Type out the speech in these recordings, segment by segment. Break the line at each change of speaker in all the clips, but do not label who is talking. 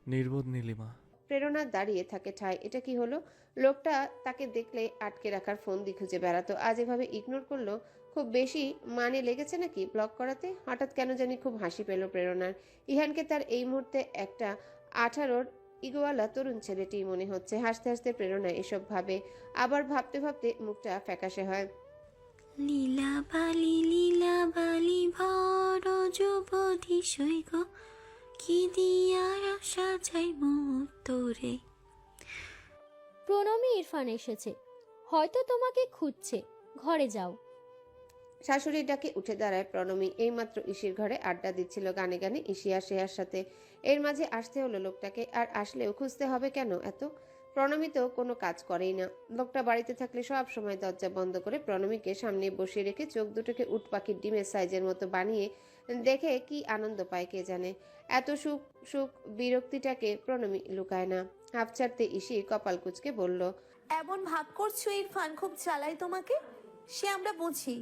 নির্বোধ নীলিমা।
প্রেরণা দাঁড়িয়ে থাকে ঠায়। এটা কি হলো? লোকটা তাকে দেখলে আটকে রাখার ফন্দি খুঁজে বেড়াতো, আজ এভাবে ইগনোর করলো। খুব বেশি মানে লেগেছে নাকি ব্লক করাতে? হঠাৎ কেন জানি খুব হাসি পেল প্রেরণার। ইহানকে তার এই মুহূর্তে একটা 18-র ইগোয়ালা তরুণ ছেলেটি মনে হচ্ছে। হাসতে হাসতে প্রেরণা এসব ভাবে, আবার ভাবতে ভাবতে মুখটা ফ্যাকাশে হয়।
লীলা বালি ভর যুবতী সৈগ কি দিয়া আশা চাই মুখ তোরে।
প্রণমী ইরফান এসেছে, হয়তো তোমাকে খুঁজছে, ঘরে যাও।
শাশুড়ির ডাকে উঠে দাঁড়ায় প্রণমী। এইমাত্র ইসির ঘরে আড্ডা দিচ্ছিল গানে গানে ইসি আর শ্রেয়ার সাথে। এর মাঝে আসতে হলো লোকটাকে, আর আসলেও খুঁজতে হবে কেন এত? প্রণমী তো কোনো কাজ করেই না। লোকটা বাড়িতে থাকলে সব সময় দরজা বন্ধ করে প্রণমীকে সামনে বসিয়ে রেখে চোখ দুটোকে উট পাখির ডিমের সাইজের মতো বানিয়ে দেখে কি আনন্দ পায় কে জানে। এত সুখ সুখ বিরক্তিটাকে প্রণমী লুকায় না। হাঁপ ছাড়তে ইসি কপাল কুঁচকে বলল,
এমন ভাব করছো ইরফান খুব জ্বালাই তোমাকে, সে আমরা বুঝি।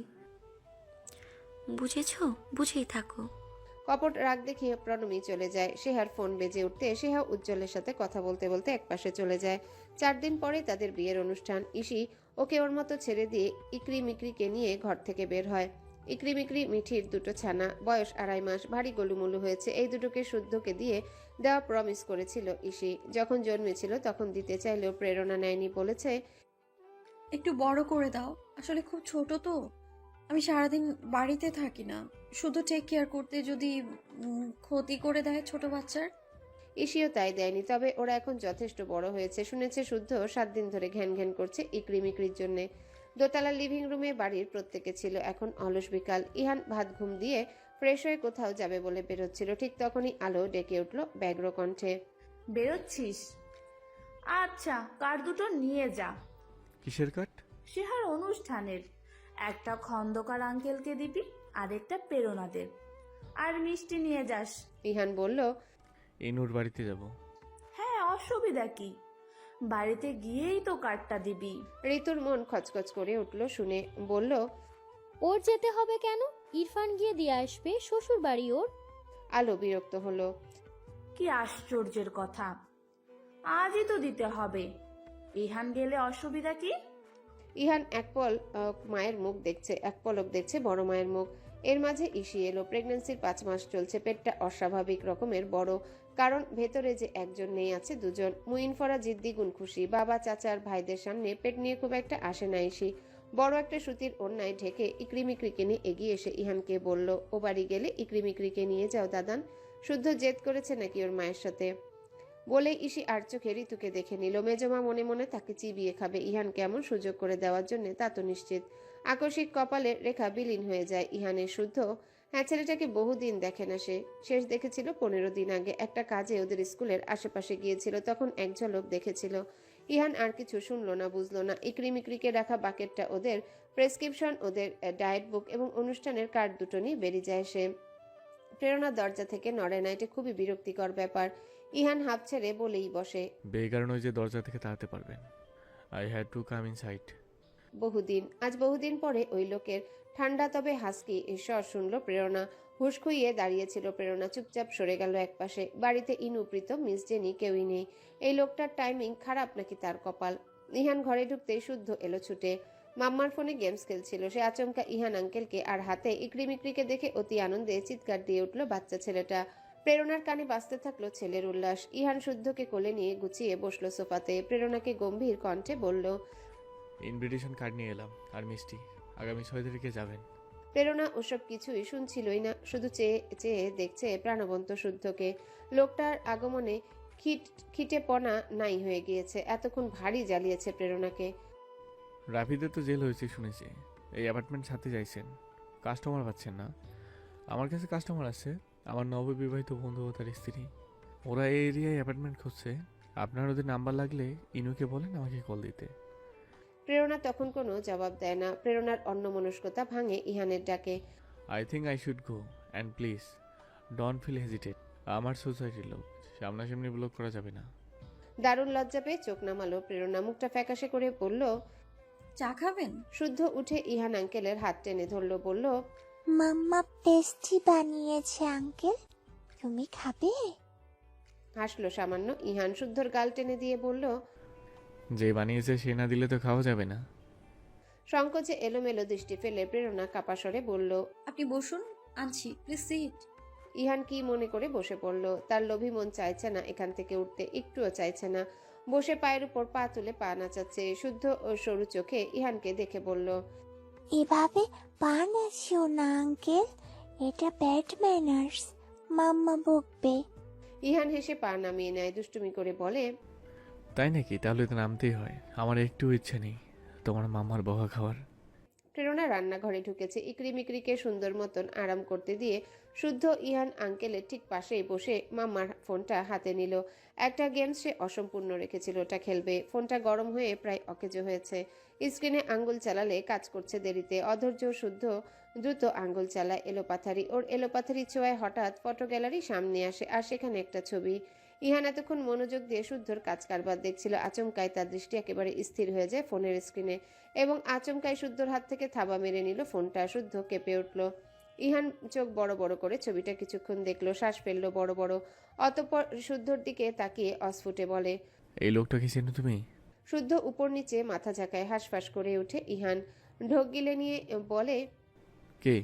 বুঝেছো? বুঝেই থাকো।
কপট রাগ দেখিয়ে প্রণমী চলে যায়। সেহার ফোন বেজে উঠতে সেহা উজ্জ্বলের সাথে কথা বলতে বলতে একপাশে চলে যায়। 4 দিন পরে তাদের বিয়ের অনুষ্ঠান। ইসি ওকে ওর মতো ছেড়ে দিয়ে ইকরি মিকরিকে নিয়ে ঘর থেকে বের হয়। ইকরি মিকরি মিঠির দুটো ছানা, বয়স 2.5 মাস, ভারী গোলুমুলু হয়েছে। এই দুটোকে শুদ্ধকে দিয়ে দেওয়া প্রমিস করেছিল ইসি। যখন জন্মেছিল তখন দিতে চাইলেও প্রেরণা নেয়নি, বলেছে
একটু বড় করে দাও, আসলে খুব ছোট তো, আমি সারাদিন বাড়িতে থাকি না, শুধু টেক কেয়ার করতে যদি ক্ষতি করে দেয় ছোট বাচ্চার।
ইসিও তাই দেয়নি, তবে ওরা এখন যথেষ্ট বড় হয়েছে। শুনেছে শুদ্ধ 7 দিন ধরে ঘ্যান ঘ্যান করছে ইকরি মিকরির জন্যে। দোতলা লিভিং রুমে বাড়ির প্রত্যেকে ছিল এখন অলস বিকাল। ইহান ভাত ঘুম দিয়ে ফ্রেশ হয়ে কোথাও যাবে বলে বেরোচ্ছিল, ঠিক তখনই আলো ডেকে উঠল ব্যগ্র কণ্ঠে,
বেরোচ্ছিস? আচ্ছা, কার দুটো নিয়ে যা।
কিসের কাট?
সেহার অনুষ্ঠানের একটা খন্দকার আঙ্কেলকে দিবি, আর একটা প্রেরণাদের, আর মিষ্টি নিয়ে যাস।
ইহান বলল,
ইনুর বাড়িতে যাব।
হ্যাঁ, অসুবিধা কি, বাড়িতে গিয়েই তো কার্ডটা দিবি।
ঋতুর মন খচখচ করে উঠল শুনে, বলল,
ওর যেতে হবে কেন? ইরফান গিয়ে দিয়ে আসবে, শ্বশুর বাড়ি ওর।
আলো বিরক্ত হলো।
কি আশ্চর্যের কথা, আজই তো দিতে হবে। ইহান গেলে অসুবিধা কি?
ইহান এক মায়ের মুখ দেখছে, এক পলক দেখছে বড় মায়ের মুখ। এর মাঝে ইসি এলো। প্রেগন্যান্সির 5 মাস চলছে। পেটটা অস্বাভাবিক রকমের বড়, কারণ ভেতরে যে একজন নেই আছে দুজন। মুইনফরা জিদ্দি গুণ খুশি। বাবা চাচার ভাইদের সামনে পেট নিয়ে খুব একটা আসে না ইসি। বড় একটা সুতির ওড়নায় ঢেকে ইকরিমিকরিকে নিয়ে এগিয়ে এসে ইহানকে বলল, ও বাড়ি গেলে ইকরিমিকরিকে নিয়ে যাও দাদান। শুদ্ধ জেদ করেছে নাকি ওর মায়ের সাথে? বলে ইসি আর চোখে ঋতুকে দেখে নিল। মেজমা মনে মনে তাকে চিবিয়ে খাবে ইহান কেমন সুযোগ করে দেওয়ার জন্য তা তো নিশ্চিত। আকস্মিক কপালের রেখা বিলীন হয়ে যায় ইহানের। শুদ্ধ হ্যাঁ, ছেলেটাকে বহুদিন দেখে না সে। শেষ দেখেছিল 15 দিন আগে, একটা কাজে ওদের স্কুলের আশেপাশে গিয়েছিল, তখন এক ঝলক দেখেছিল। ইহান আর কিছু শুনলো না, বুঝলো না। ইকরিমিকরিকে রাখা বাকেটটা ওদের, প্রেসক্রিপশন ওদের, ডায়েট বুক এবং অনুষ্ঠানের কার্ড দুটো নিয়ে বেরিয়ে যায় সে। প্রেরণার দরজা থেকে নড়ে না, এটা খুবই বিরক্তিকর ব্যাপার। ইহান হাঁপ ছেড়ে বলেই বসে,
বেকার নয় যে দরজা থেকে তাড়াতে পারবেন। I had to come inside.
আজ বহুদিন পরে ওই লোকের ঠান্ডা তবে হাসকি স্বর শুনল প্রেরণা। হুঁশ খুইয়ে দাঁড়িয়েছিল প্রেরণা, চুপচাপ সরে গেল একপাশে। বাড়িতে ইনু, প্রীতম, মিস জেনি কেউই নেই। এই লোকটার টাইমিং খারাপ নাকি তার কপাল? ইহান ঘরে ঢুকতেই শুদ্ধ এলো ছুটে। মাম্মার ফোনে গেমস খেলছিল সে। আচমকা ইহান আঙ্কেলকে আর হাতে ইকরিমিকরিকে দেখে অতি আনন্দে চিৎকার দিয়ে উঠল বাচ্চা ছেলেটা। প্রেরণার কানে বাজতে থাকলো ছেলের উল্লাস। ইহান শুদ্ধকে কোলে নিয়ে গুছিয়ে বসলো সোফাতে। প্রেরণাকে গম্ভীর কণ্ঠে বলল,
ইনভিটেশন কার্ড নিয়ে এলাম, আর মিষ্টি। আগামী 6 তারিখে যাবেন।
প্রেরণা ওসব কিছুই শুনছিলই না, শুধু চেয়ে চেয়ে দেখছে প্রাণবন্ত শুদ্ধকে। লোকটার আগমনে খিটেপনা নাই হয়ে গিয়েছে। এতক্ষণ ভারী জ্বালিয়েছে প্রেরণাকে।
রাফিদের তো জেল হয়েছে শুনেছি। এই অ্যাপার্টমেন্ট ছাড়তে চাইছেন, কাস্টমার পাচ্ছেন না। আমার কাছে কাস্টমার আছে, আমার নববিবাহিত বন্ধু ও তার স্ত্রী। ওরা এই এরিয়ায় অ্যাপার্টমেন্ট খুঁজছে। আপনার ওদের নাম্বার লাগলে ইনুকে বলেন আমাকে কল দিতে।
প্রেরণা তখন কোনো জবাব দেয় না। প্রেরণার অন্যমনস্কতা ভাঙে ইহানের ডাকে।
I think I should go, and please don't feel hesitate. আমার সোসাইটির লোক, সামনাসামনি ব্লক করা যাবে না।
দারুণ লজ্জা পেয়ে চোখ নামালো প্রেরণা। মুখটা ফ্যাকাশে করে বলল,
চা খাবেন?
শুদ্ধ উঠে ইহান আঙ্কেলের হাত টেনে ধরল, বলল,
মাম্মা পেস্ট্রি বানিয়েছে আঙ্কেল, তুমি খাবে?
হাসলো সামান্য। ইহান শুদ্ধর গাল টেনে দিয়ে বলল,
যে বানিয়েছে সে না দিলে তো খাওয়া যাবে না।
সংকোচে এলোমেলো দৃষ্টি ফেলে প্রেরণা কাপা স্বরে বলল।
আপনি বসুন, আনছি, প্লিজ সিট।
ইহান কি মনে করে বসে পড়ল। তার লোভী মন চাইছে না এখান থেকে উঠতে, একটুও চাইছে না। বসে পায়ের উপর পা তুলে পা নাচাচ্ছে। শুদ্ধ ও সরু চোখে ইহানকে দেখে বলল,
এভাবে পা নাচিও না আঙ্কেল, এটা ব্যাড ম্যানার্স, মাম্মা বকবে।
ইহান হেসে পা নামিয়ে নেয়, দুষ্টুমি করে বলে,
তাই নাকি? তাহলে তো নামতেই হয়। আমার একটু ইচ্ছে নেই তোমার মামার বকা খাওয়ার।
প্রেরণা রান্নাঘরে ঢুকেছে। ইকরি মিকরিকে সুন্দর মতন আরাম করতে দিয়ে শুদ্ধ ইহান আঙ্কেলের ঠিক পাশেই বসে মাম্মার ফোনটা হাতে নিল। একটা গেম সে অসম্পূর্ণ রেখেছিল, ওটা খেলবে। ফোনটা গরম হয়ে প্রায় অকেজো হয়েছে। স্ক্রিনে আঙ্গুল চালালে কাজ করছে দেরিতে। অধৈর্য শুদ্ধ দ্রুত আঙ্গুল চালায় এলোপাথারি। ওর এলোপাথারি ছোঁয়ায় হঠাৎ ফটো গ্যালারি সামনে আসে, আর সেখানে একটা ছবি। ইহান এতক্ষণ মনোযোগ দিয়ে শুদ্ধর কাজ কারবার দেখছিল। আচমকায় তার দৃষ্টি একেবারে স্থির হয়ে যায় ফোনের স্ক্রিনে, এবং আচমকায় শুদ্ধর হাত থেকে থাবা মেরে নিল ফোনটা। শুদ্ধ কেঁপে উঠল। ইহান চোখ বড় বড় করে ছবিটা কিছুক্ষণ দেখলো, শ্বাস ফেললো বড় বড়। অতঃপর শুদ্ধর দিকে তাকিয়ে অস্ফুটে বলে,
এই লোকটাকে চেনো তুমি?
শুদ্ধ উপর নিচে মাথা ঝাঁকায়। হাঁসফাঁস করে উঠে ইহান। ঢোক গিলে নিয়ে বলে,
কে?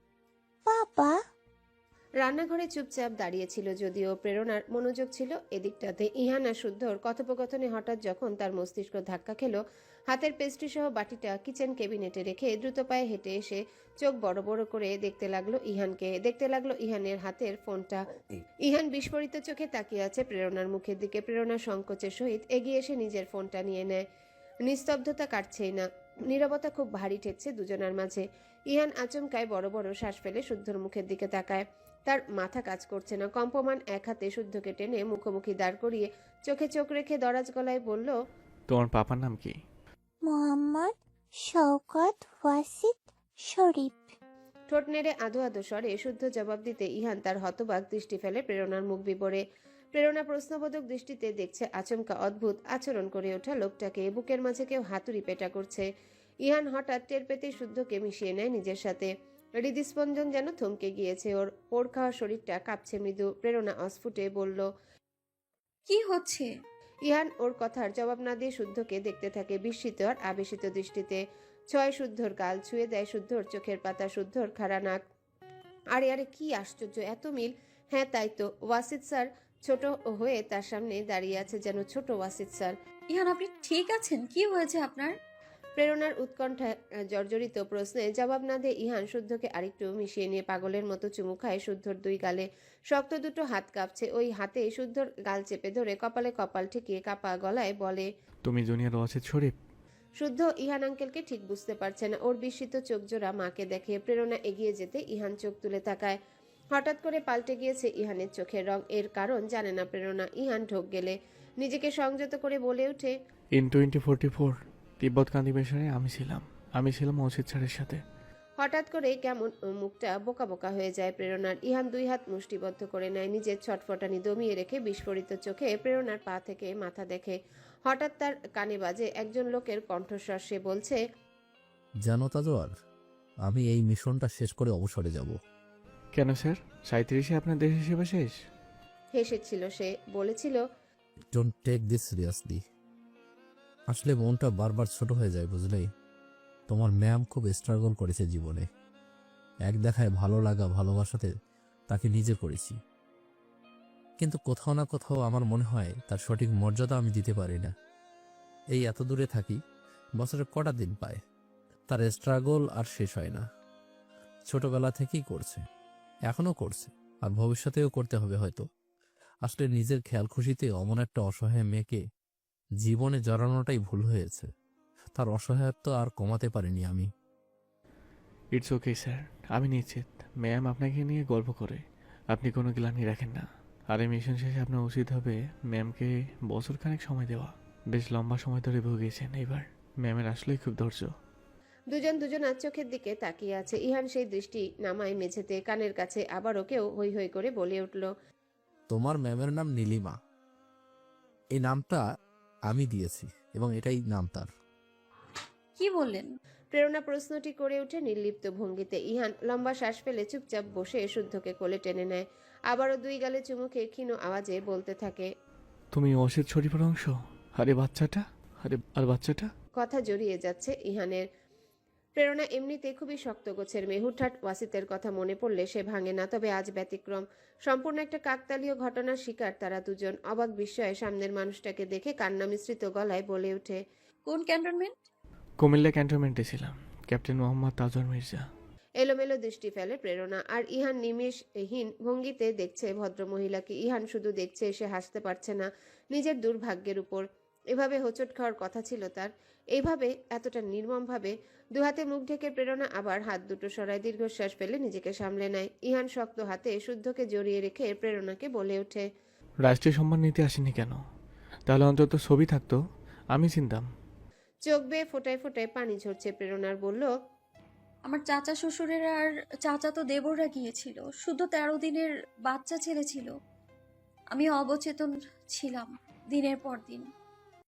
বাবা,
রান্নাঘরে চুপচাপ দাঁড়িয়েছিল যদিও প্রেরণার মনোযোগ ছিল এদিকটাতে। ইহান আর শুদ্ধর কথোপকথনে হঠাৎ যখন তার মস্তিষ্ক ধাক্কা খেল, হাতের পেস্ট্রি সহ বাটিটা কিচেন কেবিনেটে রেখে দ্রুত পায়ে হেঁটে এসে চোখ বড় বড় করে দেখতে লাগলো ইহানকে, দেখতে লাগলো ইহানের হাতের ফোনটা। ইহান বিস্ফোরিত চোখে তাকিয়ে আছে প্রেরণার মুখের দিকে। প্রেরণা সংকোচের সহিত এগিয়ে এসে নিজের ফোনটা নিয়ে নেয়। নিস্তব্ধতা কাটছেই না, নীরবতা খুব ভারী ঠেকছে দুজনার মাঝে। ইহান আচমকায় বড় বড় শ্বাস ফেলে শুদ্ধর মুখের দিকে তাকায়। তার মাথা কাজ করছে না। কম্পমান এক হাতে শুদ্ধকে টেনে মুখোমুখি দাঁড় করিয়ে চোখে চোখ রেখে দরাজ গলায় বলল,
তোমার পাপার নাম কি?
মোহাম্মদ শওকত ওয়াসিদ শরীফ।
ঠোঁট নেড়ে আধো আধো স্বরে শুদ্ধ জবাব দিতে ইহান তার হতবাক দৃষ্টি ফেলে প্রেরণার মুখ বিবরে। প্রেরণা প্রশ্নবোধক দৃষ্টিতে দেখছে আচমকা অদ্ভুত আচরণ করে ওঠা লোকটাকে। বুকের মাঝে কেউ হাতুড়ি পেটা করছে। ইহান হঠাৎ টের পেতে শুদ্ধকে মিশিয়ে নেয় নিজের সাথে। হৃদস্পন্দন যেন থমকে গিয়েছে ওর। পোড় খাওয়া শরীরটা কাঁপছে মৃদু। প্রেরণা অস্ফুটে বলল,
কি হচ্ছে?
ইহান ওর কথার জবাব না দিয়ে শুদ্ধকে দেখতে থাকে বিস্মিত আর আবেশিত দৃষ্টিতে। ছয় শুদ্ধর গাল ছুঁয়ে দেয় শুদ্ধর চোখের পাতা, শুদ্ধর খাড়া নাক। আরে আরে, কি আশ্চর্য, এত মিল! হ্যাঁ তাই তো, ওয়াসিদ স্যার ছোট হয়ে তার সামনে দাঁড়িয়ে আছে, যেন ছোট ওয়াসিদ স্যার।
ইহান, আপনি ঠিক আছেন? কি হয়েছে আপনার?
প্রেরণার উৎকণ্ঠায় জর্জরিত প্রশ্নে জবাব না দিয়ে ইহান শুদ্ধকে আরেকটু মিশিয়ে নিয়ে পাগলের মতো চুমু খায় শুদ্ধর দুই গালে। শক্ত দুটো হাত কাঁপছে। ওই হাতে শুদ্ধর গাল চেপে ধরে কপালে কপাল ঠেকিয়ে কাপা গলায় বলে,
তুমি জুনিয়র ওয়াসিদ শরীফ?
শুদ্ধ ইহান আঙ্কেলকে ঠিক বুঝতে পারছে না। ওর বিস্মিত চোখ জোড়া মাকে দেখে। প্রেরণা এগিয়ে যেতে ইহান চোখ তুলে তাকায়। হঠাৎ করে পাল্টে গিয়েছে ইহানের চোখের রং। এর কারণ জানে না প্রেরণা। ইহান ঢোক গেলে নিজেকে সংযত করে বলে ওঠে,
ইন 2044 তিব্বত কান্দি মিশনে আমি ছিলাম ওয়াসিদ স্যারের সাথে।
হঠাৎ করে কেমন মুখটা বোকা বোকা হয়ে যায় প্রেরণার। ইহান দুই হাত মুষ্টিবদ্ধ করে নেয়, নিজের ছটফটানি দমিয়ে রেখে বিস্ফোরিত চোখে প্রেরণার পা থেকে মাথা দেখে। হঠাৎ তার কানে বাজে একজন লোকের কণ্ঠস্বর। সে বলছে,
জানো তাজোয়ার, আমি এই মিশনটা শেষ করে অবসরে যাব।
কেন স্যার? 37-এ আপনার দেশের সেবা শেষ?
হেসেছিল সে, বলেছিল,
ডোন্ট টেক দিস সিরিয়াসলি। আসলে মনটা বারবার ছোট হয়ে যায়, বুঝলেই। তোমার ম্যাম খুব স্ট্রাগল করেছে জীবনে। এক দেখায় ভালো লাগা ভালোবাসাতে তাকে নিজে করেছি, কিন্তু কোথাও না কোথাও আমার মনে হয় তার সঠিক মর্যাদা আমি দিতে পারি না। এই এত দূরে থাকি, বছরে কটা দিন পায়। তার স্ট্রাগল আর শেষ হয় না। ছোটবেলা থেকেই করছে, এখনো করছে, আর ভবিষ্যতেও করতে হবে হয়তো। আসলে নিজের খেয়াল খুশিতে অমন একটা অসহায় মেয়েকে জীবনে জড়ানোটাই ভুল হয়েছে। তার অসহায়ত্ব আর কমাতে পারিনি আমি।
ইটস ওকে স্যার, আমি নিশ্চিত ম্যাম আপনাকে নিয়ে গল্প করে আপনি কোনো গ্লানি রাখেন না। আর এই মিশন শেষে আপনার উচিত হবে ম্যামকে বছরখানেক সময় দেওয়া। বেশ লম্বা সময় ধরে ভুগিয়েছেন, এবার ম্যামের আসলেই খুব ধৈর্য।
দুজন দুজনার চোখের দিকে তাকিয়ে আছে। ইহান সেই দৃষ্টি নামায় মেঝেতে। কানের কাছে আবারও কেউ হৈ হৈ করে বলে উঠল,
তোমার ম্যামের নাম নীলিমা। এই নামটা আমি দিয়েছি এবং এটাই নাম তার।
কি বললেন?
প্রেরণা প্রশ্নটি করে উঠে নির্লিপ্ত ভঙ্গিতে। ইহান লম্বা শ্বাস ফেলে চুপচাপ বসে শুদ্ধকে কোলে টেনে নেয়। আবারও 2 গালে চুমু খেয়ে ক্ষীণ আওয়াজে বলতে থাকে,
তুমি অসিত শরীফের অংশ? আরে বাচ্চাটা, আর বাচ্চাটা?
কথা জড়িয়ে যাচ্ছে ইহানের। প্রেরণা এমনিতে খুবই শক্ত গোছের মেয়ে। হুটহাট ওয়াসিতের কথা মনে পড়লে সে ভাঙে না, তবে আজ ব্যতিক্রম। সম্পূর্ণ একটা কাকতালীয় ঘটনার শিকার তারা দুজন। অবাক বিস্ময়ে সামনের মানুষটাকে দেখে কান্না মিশ্রিত গলায় বলে ওঠে,
কোন ক্যান্টনমেন্ট?
কুমিল্লা ক্যান্টনমেন্টে ছিলাম, ক্যাপ্টেন মোহাম্মদ তাজওয়ার মির্জা।
এলোমেলো দৃষ্টি ফেলে প্রেরণা, আর ইহান নিমেষহীন ভঙ্গিতে দেখছে ভদ্রমহিলাকে। ইহান শুধু দেখছে, সে হাসতে পারছে না নিজের দুর্ভাগ্যের উপর। এভাবে হোঁচট খাওয়ার কথা ছিল তার, এইভাবে এতটা নির্মমভাবে। দুহাতে মুখ ঢেকে প্রেরণা আবার হাত দুটো সরায় দীর্ঘশ্বাস ফেলে নিজেকে সামলে নেয়। ইহান শক্ত হাতে শুদ্ধকে জড়িয়ে রেখে প্রেরণাকে বলে ওঠে,
রাষ্ট্রীয় সম্মান নিতে আসেনি কেন? তাহলে অন্তত ছবি থাকতো, আমি চিনতাম।
চোখ বেয়ে ফোটায় ফোটায় পানি ঝরছে প্রেরণার। বলল,
আমার চাচা শ্বশুরের আর চাচা তো দেবররা গিয়েছিল, শুধু 13 দিনের বাচ্চা ছেলে ছিল। আমি অবচেতন ছিলাম দিনের পর দিন।